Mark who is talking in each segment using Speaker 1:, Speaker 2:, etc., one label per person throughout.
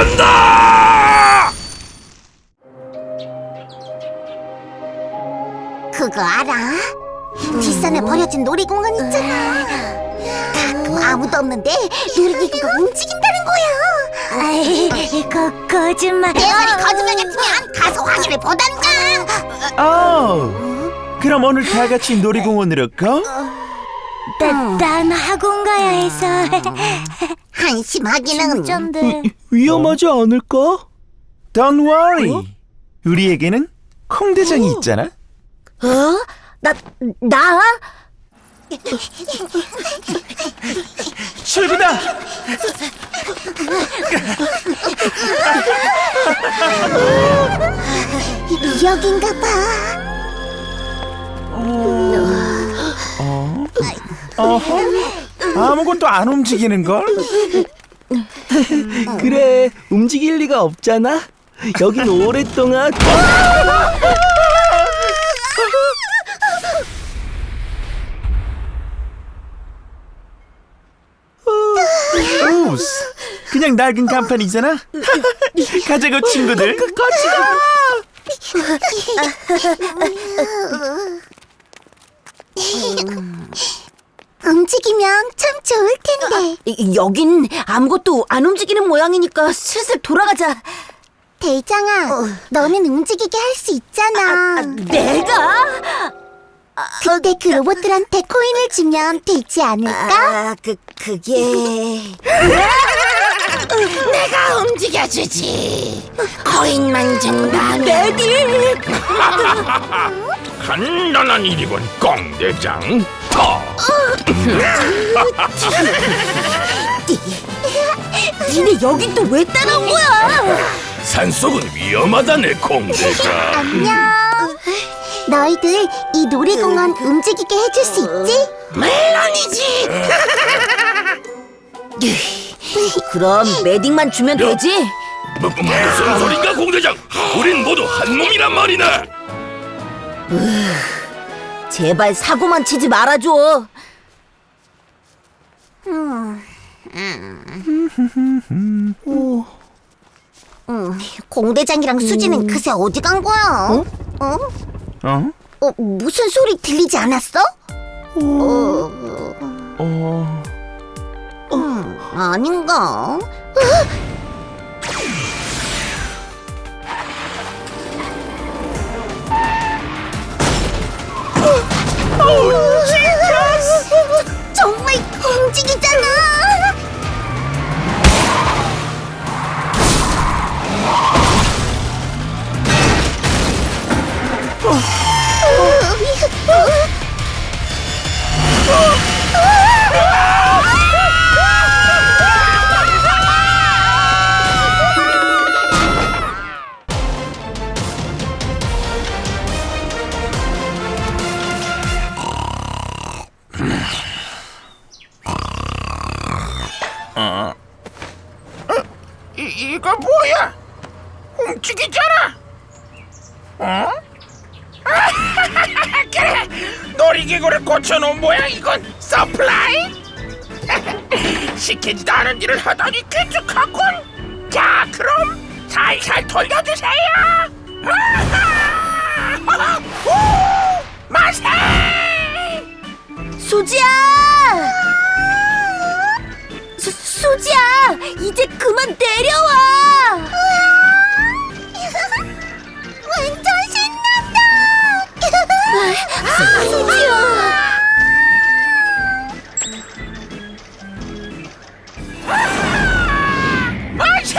Speaker 1: 간다!
Speaker 2: 그거 알아? 뒷산에 버려진 놀이공원 있잖아. 가끔 아무도 없는데 놀이기구가 움직인다는 거야.
Speaker 3: 아이, 거짓말.
Speaker 2: 내 말이 거짓말 같으면 가서 확인을 보단가.
Speaker 4: 그럼 오늘 다 같이 놀이공원으로 가?
Speaker 3: 난 학원 가야 해서.
Speaker 2: 한심하기는.
Speaker 3: 진짠데.
Speaker 4: 위험하지 않을까? Don't worry. 우리에게는 콩대장이 있잖아.
Speaker 3: 나?
Speaker 4: 출구다.
Speaker 2: 여긴가 봐.
Speaker 4: 아무것도 안 움직이는 걸?
Speaker 5: 그래, 움직일 리가 없잖아. 여긴 오랫동안
Speaker 4: 우스, 그냥 낡은 간판이잖아. 가자고 친구들. 같이 가.
Speaker 2: 움직이면 참 좋을 텐데.
Speaker 3: 여긴 아무것도 안 움직이는 모양이니까 슬슬 돌아가자.
Speaker 2: 대장아, 너는 움직이게 할 수 있잖아.
Speaker 3: 내가?
Speaker 2: 그때 그 로봇들한테 코인을 주면 되지 않을까?
Speaker 3: 그게...
Speaker 6: 내가 움직여주지. 코인만 준다면.
Speaker 3: 메딕!
Speaker 1: 간단한 일이군, 꽁대장.
Speaker 3: 니네 여긴 또 왜 따라온 거야?
Speaker 1: 산속은 위험하다네, 꽁대장.
Speaker 2: 안녕. 너희들 이 놀이공원 움직이게 해줄 수 있지?
Speaker 6: 물론이지.
Speaker 3: 그럼 메딕만 주면 되지?
Speaker 1: 무슨 소린가, 공대장? 우린 모두 한 몸이란 말이네.
Speaker 3: 제발 사고만 치지 말아줘.
Speaker 2: 공대장이랑 수지는 그새 어디 간 거야? 무슨 소리 들리지 않았어? 아닌가? 정말 움직이잖아.
Speaker 1: 이거 뭐야? 움직이잖아. 그래, 놀이기구를 고쳐놓은 모양. 이건 서플라이. 시키지도 않은 일을 하다니 기특하군. 자, 그럼 살살 돌려주세요. 만세!
Speaker 3: 수지야! 수지야! 이제 그만 내려와!
Speaker 2: 완전 신난다.
Speaker 3: 수지야!
Speaker 1: 만세!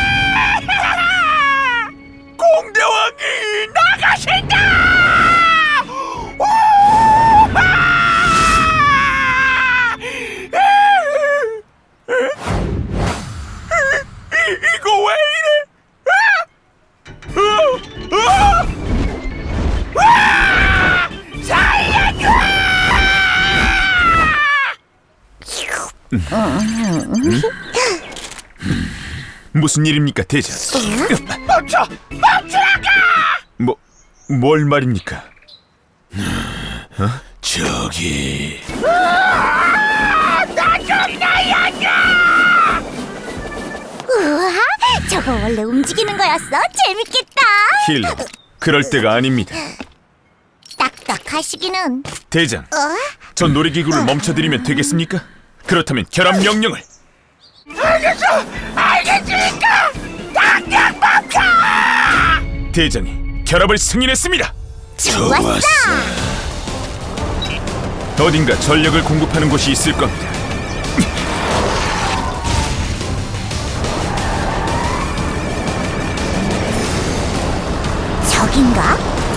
Speaker 1: 공대왕이 나가신다! 이거 왜 이래? 살려줘!
Speaker 4: 무슨 일입니까, 대장?
Speaker 1: 멈추라고!
Speaker 4: 뭘 말입니까?
Speaker 1: 저기 나 좀 날려줘!
Speaker 2: 우와, 저거 원래 움직이는 거였어? 재밌겠다.
Speaker 4: 힐러, 그럴 때가 아닙니다.
Speaker 2: 딱딱하시기는.
Speaker 4: 대장, 저 놀이기구를 멈춰드리면 되겠습니까? 그렇다면 결합 명령을.
Speaker 1: 알겠습니까? 당장 멈춰!
Speaker 4: 대장이 결합을 승인했습니다.
Speaker 2: 좋았어.
Speaker 4: 어딘가 전력을 공급하는 곳이 있을 겁니다.
Speaker 2: 저긴가?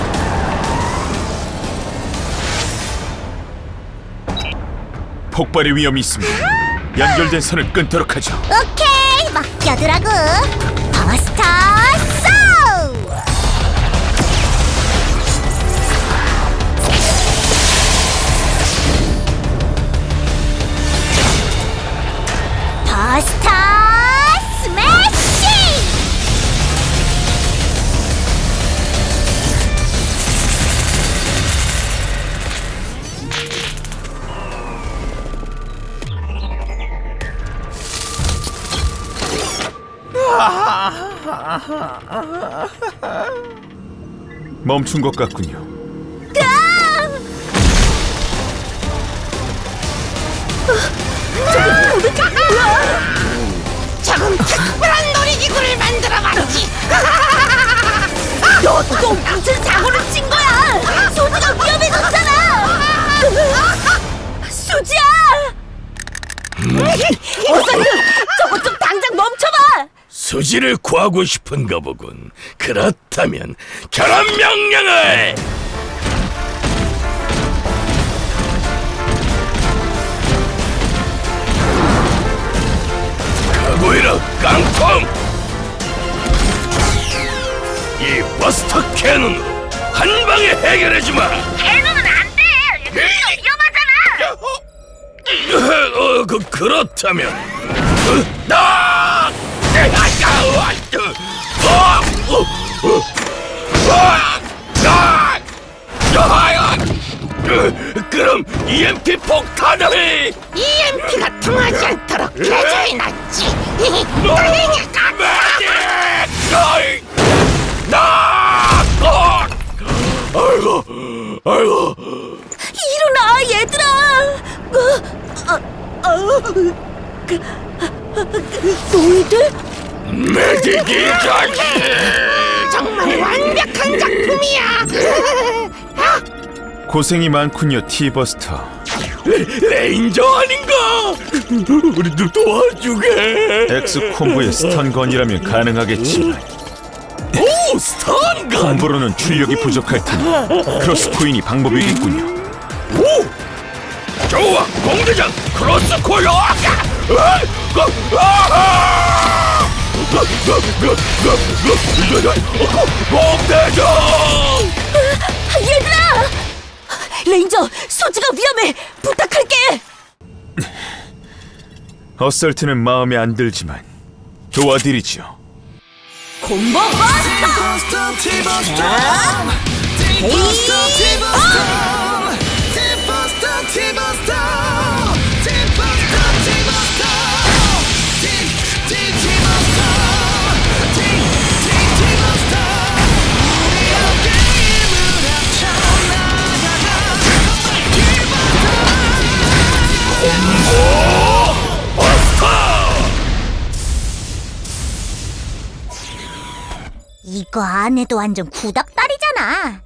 Speaker 4: 폭발의 위험이 있습니다. 연결된 선을 끊도록 하죠.
Speaker 2: 오케이, 맡겨두라고. 버스터 쏘! 버스터 스매시!
Speaker 4: 멈춘 것 같군요.
Speaker 6: 조금 특별한 놀이기구를 만들어봤지.
Speaker 3: 너 무슨 사고를 친 거야? 소지가 위험해졌잖아. 수지야! 어서 저거 좀 당장 멈춰봐.
Speaker 7: 수지를 구하고 싶은가 보군. 그렇다면 결합 명령을! 가고이라 깡통! 이 버스터 캐논으로 한 방에 해결해주마!
Speaker 3: 걔는 안 돼. 위험하잖아.
Speaker 7: 그렇다면 그럼 EMP 폭탄을
Speaker 6: EMP가 통하지 않도록 개조해놨지.
Speaker 7: 아이고
Speaker 3: 일어나 얘들아. 너희들?
Speaker 7: 메디기 자식
Speaker 6: 정말 완벽한 작품이야.
Speaker 4: 고생이 많군요, 티버스터.
Speaker 7: 레인저 아닌가? 우리도 도와주게.
Speaker 4: 엑스콤보의 스턴건이라면 가능하겠지만
Speaker 7: 오, 스턴건.
Speaker 4: 콤보로는 출력이 부족할 테니 크로스코인이 방법이겠군요.
Speaker 7: 오, 좋아, 공대장 크로스 코일. 공대장.
Speaker 3: 얘들아! 레인저, 소지가 위험해. 부탁할게.
Speaker 4: 어설트는 마음에 안 들지만 도와드리죠.
Speaker 3: 콤보 버스터!
Speaker 2: 이거 안 해도 완전 구닥다리잖아.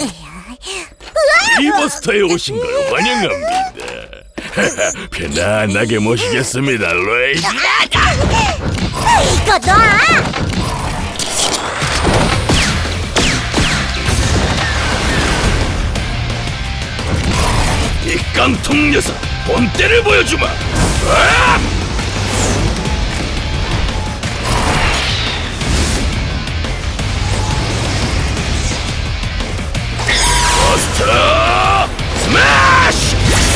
Speaker 7: 티버스터에 오신 걸 환영합니다. 편안하게 모시겠습니다, 레이지.
Speaker 2: 이거 놔!
Speaker 7: 이 깡통 녀석 본때를 보여주마. 버스터 스매시!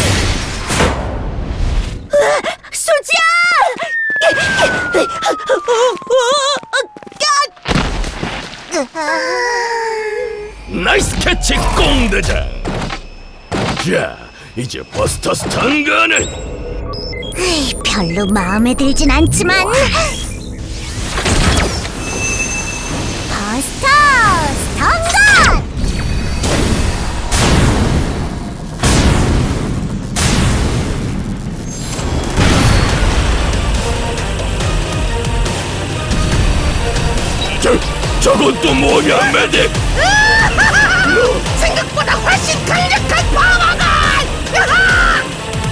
Speaker 3: 수지야!
Speaker 7: 나이스 캐치 공대장. 자, 이제 버스터 스턴건을.
Speaker 2: 별로 마음에 들진 않지만
Speaker 7: 저건 또 뭐냐, 메딕?
Speaker 6: 생각보다 훨씬 강력한 파워가! 야하!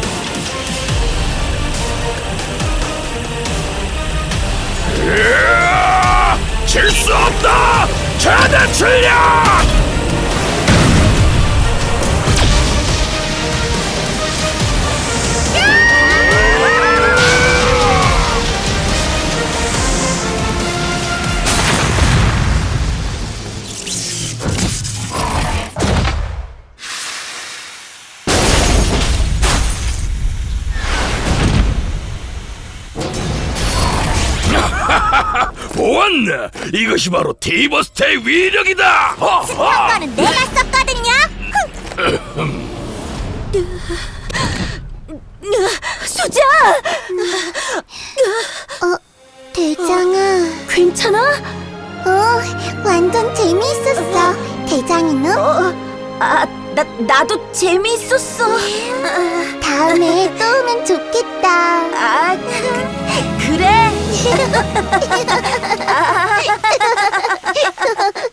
Speaker 7: 질 수 없다! 최대 출력! 보았나? 이것이 바로 티버스테의 위력이다! 허허!
Speaker 2: 이거는 내가 썼거든요.
Speaker 3: 수자!
Speaker 2: 대장아.
Speaker 3: 괜찮아?
Speaker 2: 완전 재미있었어. 대장이는?
Speaker 3: 나도 재미있었어.
Speaker 2: 다음에 또 오면 좋겠다.
Speaker 3: 그래.